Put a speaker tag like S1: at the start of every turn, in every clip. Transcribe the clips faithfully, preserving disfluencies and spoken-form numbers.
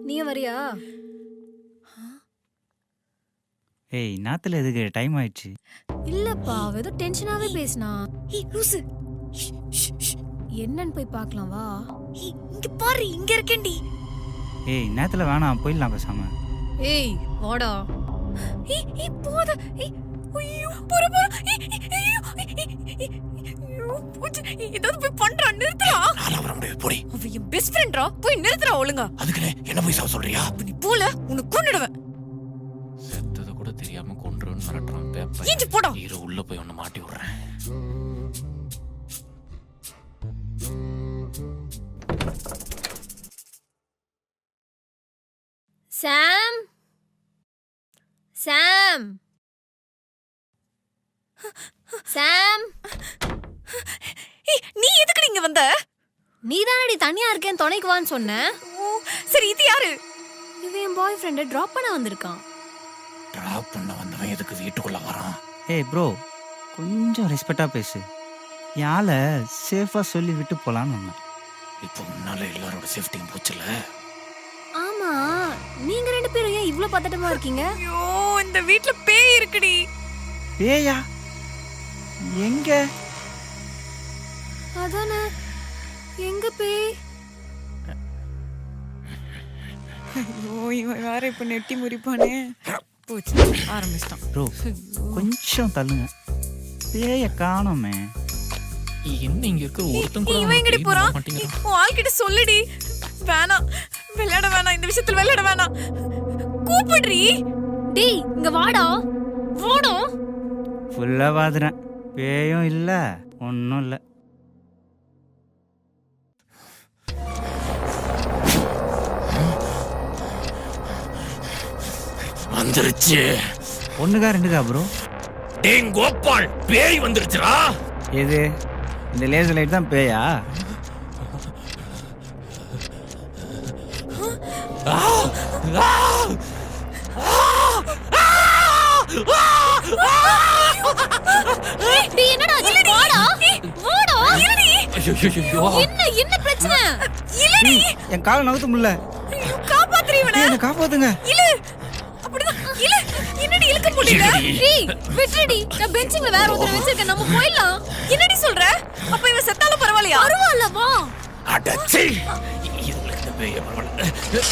S1: நீ வரியா?
S2: ஏய் நாத்துல எதுக்கு டைம் ஆயிடுச்சு.
S1: இல்லப்பா ஏதோ டென்ஷனாவே பேசினா.
S3: ஏய் லூசு,
S1: என்னன்னு போய் பார்க்கலாம் வா.
S3: ஏய் இங்க பாரு, இங்க இருக்கேன்டி.
S2: ஏய் நேத்துல வேணாம், போயிடலாம் பேசாம.
S1: ஏய் வாடா.
S3: ஏய் ஏய் போத. ஏய் ஐயோ போற போற. ஐயோ ஐயோ போச்சு. ஏதாவது போய் பண்றா, நிறுத்துடா.
S4: நான் வர முடியாது, போடி.
S3: அவ என் பெஸ்ட் ஃப்ரெண்ட்ரா, போய் நிறுத்துடா ஒழுங்கா.
S4: அதுக்குனே என்ன போய் சாவ சொல்றியா?
S3: நீ போல உன்னை கொன்னுடுவேன்.
S4: செத்தத கூட தெரியாம கொன்றுன்னு மிரட்டுறான் பேப்பர்.
S3: ஏஞ்சி போடா.
S4: இரு உள்ள போய் ஒன்னு மாட்டி விடுறேன்.
S1: சாம் சாம் சாம்
S3: ஏய் நீ எதுக்கு இங்க வந்த?
S1: நீ தானடி தனியா இருக்கேன் துணைக்கு வான்னு சொன்ன.
S3: ஓ சரி, இது யாரு?
S1: இவன் என் பாய் ஃப்ரெண்டை ட்ராப் பண்ண வந்திருக்கான்.
S4: டிராப் பண்ண வந்தவன் எதுக்கு வீட்டுக்குள்ள வரான்?
S2: ஏய் ப்ரோ, கொஞ்சம் ரெஸ்பெக்டா பேசு. யால சேஃபா சொல்லி விட்டு போலான்னு வந்தேன்.
S4: இப்போ முன்னால எல்லாரோட சேஃப்டியும் போச்சுல.
S1: ஆமா, நீங்க ரெண்டு பேரும் ஏன் இவ்ளோ பதட்டமா இருக்கீங்க?
S3: ஐயோ இந்த வீட்ல பேய் இருக்குடி.
S2: பேயா? எங்க?
S1: அதானே, எங்க பேய்?
S3: ஐயோ இவன் வேற இப்ப நெட்டி முறிப்பானே. போச்சு, ஆரம்பிச்சிட்டான்.
S2: ப்ரோ கொஞ்சம் தள்ளுங்க, பேய காணோமே.
S4: என்ன இங்க இருக்க ஒருத்தன் கூட
S3: இவன் எங்கடி போறான்?
S4: மாட்டேங்கிறான்.
S3: உன் ஆள்கிட்ட சொல்லுடி. வேணாம், விளையாட வேணாம், இந்த விஷயத்துல விளையாட வேணாம். கூப்பிடுறி.
S1: டேய் இங்க வாடா. வாடா.
S2: ஃபுல்லா பாதுறேன், பேயும் இல்ல ஒன்னும் இல்ல.
S4: வந்துருச்சு.
S2: ஒண்ணுக்கா ரெண்டுக்கா ப்ரோ?
S4: டேய் கோபால், பேய் வந்துருச்சுடா.
S2: எது இந்த லேசர் லைட் தான் பேயா?
S1: டேய் என்னடா ஆச்சு? வாடா. வாடா.
S3: இல்லடி.
S4: ஐயோ ஐயோ.
S1: என்ன என்ன பிரச்சனை?
S3: இல்லடி.
S2: என் காலை நகர்த்த முடியல.
S3: ஐயோ காப்பாத்துறீ இவனை.
S2: என்ன காப்பாத்துங்க.
S3: இல்ல. அப்படிதான். இல்ல. என்னடி இழுக்க முடியல?
S1: டேய் விட்டுடி. நான் பெஞ்சிங்ல வேற ஒருத்தர வச்சிருக்கேன், நம்ம போயிடலாம்.
S3: என்னடி சொல்ற? அப்ப இவன் செத்தாலும் பரவாயில்லையா?
S1: பரவாயில்ல வா.
S4: அடச்சி. இதுல இந்த பேய் பரவாயில்ல.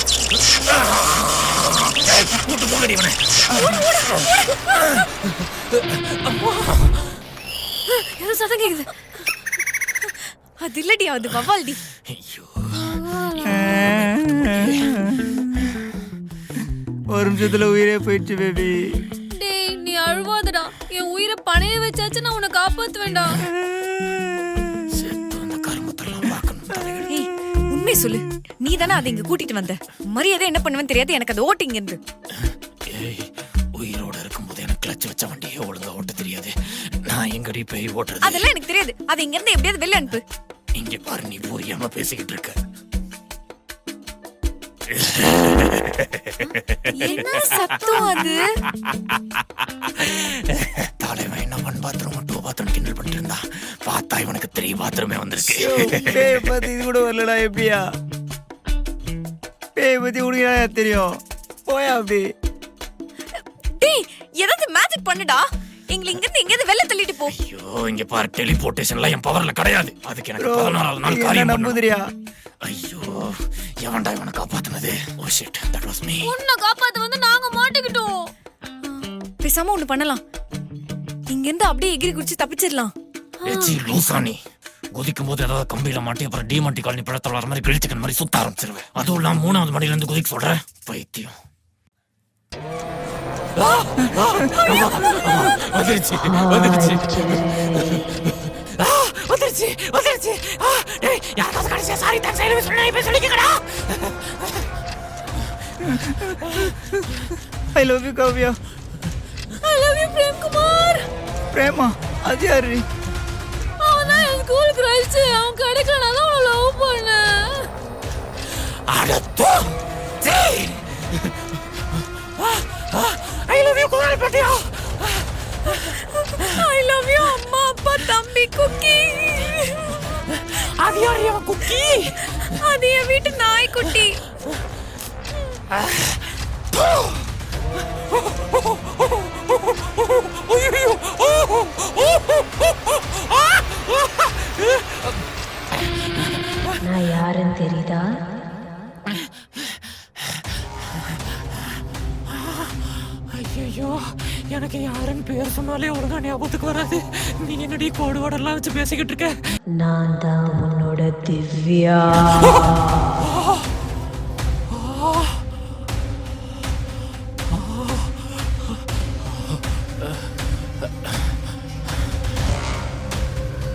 S4: கூட்டு போங்கடி இவனை.
S1: ஏதோ சத்தம் கேக்குது.
S3: அது இல்லடி, அது வவ்வால்டி.
S4: ஐயோ.
S2: ஒரு நிமிஷத்துல உயிரே போயிடுச்சு பேபி.
S1: டேய் நீ அழுவாதடா. என் உயிரை பணைய வச்சாச்சு, நான் உன்னை காப்பாத்துவேன்டா.
S4: செத்து அந்த கருமத்தெல்லாம் பார்க்கணும் தலைகள்.
S3: ஏய் உண்மை சொல்லு, நீ தானே அதை இங்க கூட்டிட்டு வந்த. மரியாதை என்ன பண்ணுவேன்னு தெரியாது எனக்கு. அது ஓட்டிங்க இருந்து.
S4: ஏய் உயிரோட இருக்கும்போது எனக்கு கிளச் வச்ச வண்டியே ஒழுங்கா ஓட்ட தெரியாது. நான் எங்கடி பேய் ஓட்டுறது?
S3: அதெல்லாம் எனக்கு தெரியாது. அதை இங்க இருந்து எப்படியாவது வெளில அனுப்பு.
S4: இங்க பாரு, நீ புரியாம பேசிக்கிட்டு இருக்க.
S3: என்ன சத்தம் அது?
S4: தலைவன் என்ன ஒன் பாத்ரூம் டூ பாத்ரூம் கிண்டல் பண்ணிட்டு இருந்தா, பார்த்தா இவனுக்கு த்ரீ பாத்ரூமே வந்திருக்கு.
S2: பேய பத்தி இது கூட வரலடா. எப்படியா பேய பத்தி உனக்கு தெரியும்? போயா அப்படி.
S3: டேய் ஏதாவது மேஜிக் பண்ணுடா. எங்களை இங்க இருந்து எங்கேயாவது வெளில தள்ளிட்டு போ.
S4: ஐயோ இங்க பாரு, டெலிபோர்டேஷன்லாம் என் பவர்ல கிடையாது. அதுக்கு எனக்கு பதினாறாவது நாள் காரியம் பண்ணணும்.
S2: நம்புதிரியா?
S4: ஐயோ எவன்டா இவனை காப்பாத்துனது? Oh shit, that was me.
S1: உன்னை காப்பாத்த வந்து நாங்க மாட்டிக்கிட்டோம்.
S3: பேசாம ஒண்ணு பண்ணலாம். இங்க இருந்து அப்படியே எகிரி குடிச்சு தப்பிச்சிடலாம்.
S4: ஏச்சி லூசானி, குதிக்கும் போது ஏதாவது கம்பியில மாட்டி அப்புறம் டிமாண்டி காலனி பழத்தில் வர மாதிரி கிழிச்சிக்கன் மாதிரி சுத்த ஆரம்பிச்சிருவேன். அதுவும் இல்லாம மூணாவது மணில இருந்து குதிக்க சொல்றேன். பைத்தியம். வந்துருச்சு வந்துருச்சு வந்துருச்சு வந்துருச்சு. யாராவது கடைசியா சாரி தான் சைடு சொன்னா இப்ப சொல்லிக்கடா.
S2: I love you Kavya.
S1: I love you Prem Kumar.
S2: பிரேமா? அது யாரு?
S1: அவன் தான் என் ஸ்கூல் கிரஷ். அவன் கிடைக்கலனால அவனை லவ் பண்ணேன்.
S4: அடத்தோ Jai. I love you Kumar பட்டியா.
S3: ஐ லவ் யூ அம்மா அப்பா தம்பி குக்கி.
S4: அது யாரு அவன் குக்கி?
S3: அது என் வீட்டு நாய்க்குட்டி.
S5: நான் யாருன்னு தெரியுதா?
S4: ஐயோ, எனக்கு யாருன்னு பேர் சொன்னாலே ஒழுங்கா ஞாபகத்துக்கு வராது. நீ என்னடி கோடு வாடெல்லாம் வச்சு பேசிக்கிட்டு இருக்க?
S5: நான் தான் உன்னோட திவ்யா.